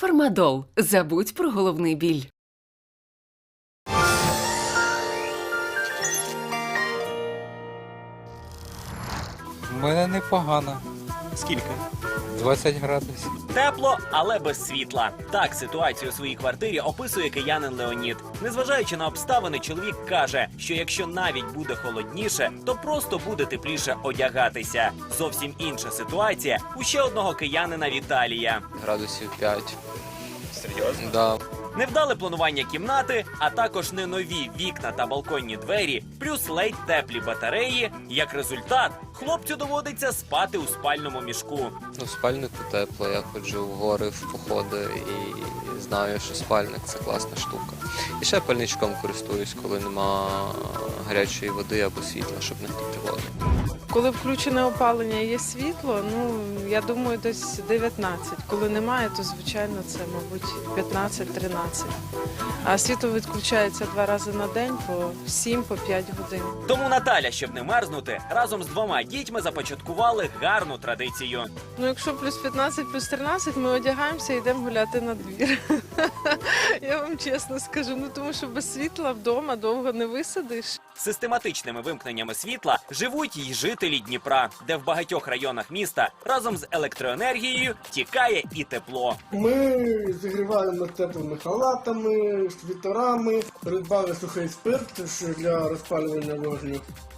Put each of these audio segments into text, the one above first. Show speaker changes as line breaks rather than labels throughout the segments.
Фармадол. Забудь про головний біль.
У мене непогано.
Скільки?
20 градусів.
Тепло, але без світла. Так ситуацію у своїй квартирі описує киянин Леонід. Незважаючи на обставини, чоловік каже, що якщо навіть буде холодніше, то просто буде тепліше одягатися. Зовсім інша ситуація у ще одного киянина Віталія.
Градусів 5.
Серйозно?
Да.
Невдале планування кімнати, а також не нові вікна та балконні двері, плюс ледь теплі батареї. Як результат, хлопцю доводиться спати у спальному мішку.
Ну, в спальнику тепло, я ходжу в гори, в походи і знаю, що спальник – це класна штука. І ще пальничком користуюсь, коли нема гарячої води або світла, щоб не гріти воду.
Коли включене опалення і є світло, ну, я думаю, десь 19. Коли немає, то, звичайно, це, мабуть, 15-13. А світло відключається 2 рази на день по 7-5 годин.
Тому Наталя, щоб не мерзнути, разом з 2 дітьми започаткували гарну традицію.
Ну, якщо плюс 15, плюс 13, ми одягаємося і йдемо гуляти на двір. Я вам чесно скажу, ну, тому що без світла вдома довго не висидиш.
Систематичними вимкненнями світла живуть й жителі Дніпра, де в багатьох районах міста разом з електроенергією тікає і тепло.
Ми зігріваємо теплими халатами, світорами, придбали сухий спирт для розпалювання вогню.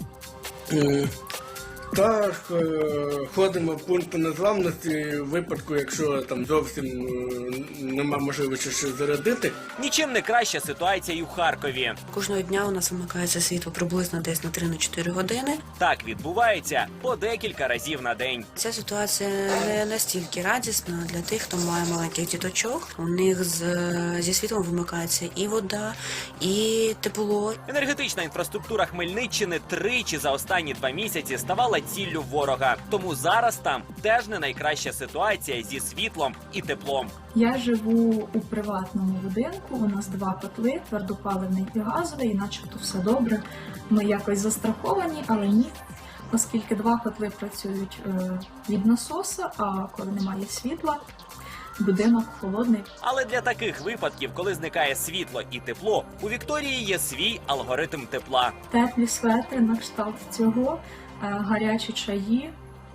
Та ходимо в пункти незламності в випадку, якщо там зовсім нема можливості щось зарядити.
Нічим не краща ситуація й у Харкові.
Кожного дня у нас вимикається світло приблизно десь на 3-4 години.
Так відбувається по декілька разів на день.
Ця ситуація не настільки радісна для тих, хто має маленьких діточок. У них зі світлом вимикається і вода, і тепло.
Енергетична інфраструктура Хмельниччини тричі за останні 2 місяці ставала ціллю ворога. Тому зараз там теж не найкраща ситуація зі світлом і теплом.
Я живу у приватному будинку, у нас 2 котли, твердопаливний і газовий, і начебто все добре. Ми якось застраховані, але ні. Оскільки 2 котли працюють від насоса, а коли немає світла, будинок холодний.
Але для таких випадків, коли зникає світло і тепло, у Вікторії є свій алгоритм тепла.
Теплі светри на кшталт цього, гарячі чаї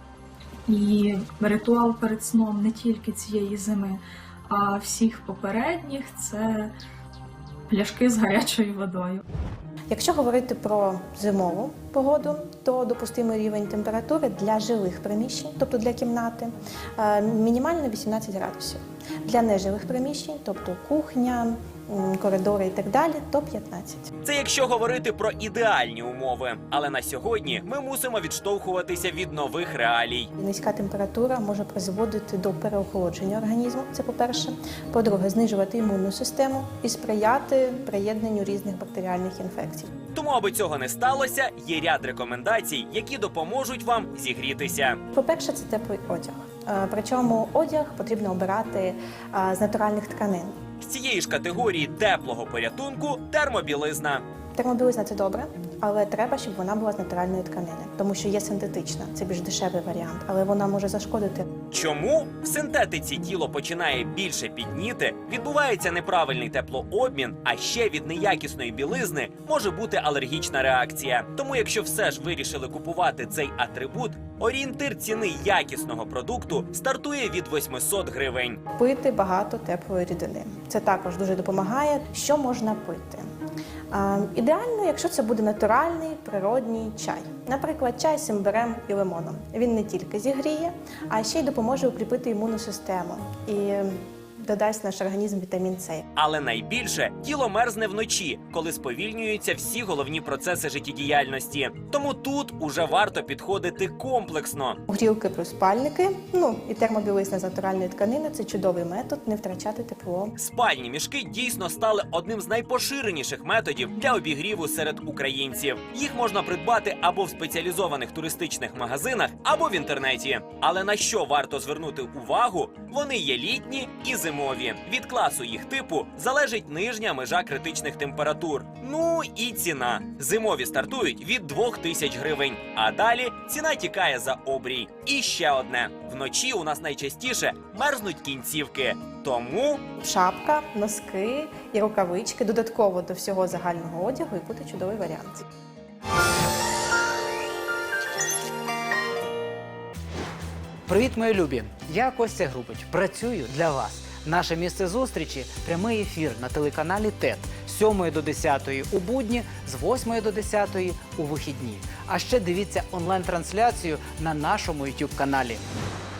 і ритуал перед сном не тільки цієї зими, а всіх попередніх – це пляшки з гарячою водою.
Якщо говорити про зимову погоду, то допустимий рівень температури для жилих приміщень, тобто для кімнати, мінімально 18 градусів. Для нежилих приміщень, тобто кухня, коридори і так далі, то 15.
Це якщо говорити про ідеальні умови. Але на сьогодні ми мусимо відштовхуватися від нових реалій.
Низька температура може призводити до переохолодження організму, це по-перше. По-друге, знижувати імунну систему і сприяти приєднанню різних бактеріальних інфекцій.
Тому, аби цього не сталося, є ряд рекомендацій, які допоможуть вам зігрітися.
По-перше, це теплий одяг. Причому одяг потрібно обирати з натуральних тканин.
З цієї ж категорії теплого порятунку – термобілизна.
Термобілизна – це добре, але треба, щоб вона була з натуральної тканини, тому що є синтетична, це більш дешевий варіант, але вона може зашкодити.
Чому? В синтетиці тіло починає більше підніти, відбувається неправильний теплообмін, а ще від неякісної білизни може бути алергічна реакція. Тому якщо все ж вирішили купувати цей атрибут, орієнтир ціни якісного продукту стартує від 800 гривень.
Пити багато теплої рідини. Це також дуже допомагає. Що можна пити? Ідеально, якщо це буде натуральний, природній чай. Наприклад, чай з імбирем і лимоном. Він не тільки зігріє, а ще й допоможе укріпити імунну систему і додасть в наш організм вітамін С.
Але найбільше тіло мерзне вночі, коли сповільнюються всі головні процеси життєдіяльності. Тому тут уже варто підходити комплексно.
Грілки плюс спальники, і термобілизна з натуральної тканини – це чудовий метод не втрачати тепло.
Спальні мішки дійсно стали одним з найпоширеніших методів для обігріву серед українців. Їх можна придбати або в спеціалізованих туристичних магазинах, або в інтернеті. Але на що варто звернути увагу? Вони є літні і зимові. Від класу їх типу залежить нижня межа критичних температур. температур. Ну і ціна. Зимові стартують від 2000 гривень, а далі ціна тікає за обрій. І ще одне. Вночі у нас найчастіше мерзнуть кінцівки. Тому
Шапка, носки і рукавички додатково до всього загального одягу і буде чудовий варіант.
Привіт, мої любі! Я Костя Грубич. Працюю для вас. Наше місце зустрічі – прямий ефір на телеканалі ТЕТ з 7 до 10 у будні, з 8 до 10 у вихідні. А ще дивіться онлайн-трансляцію на нашому YouTube-каналі.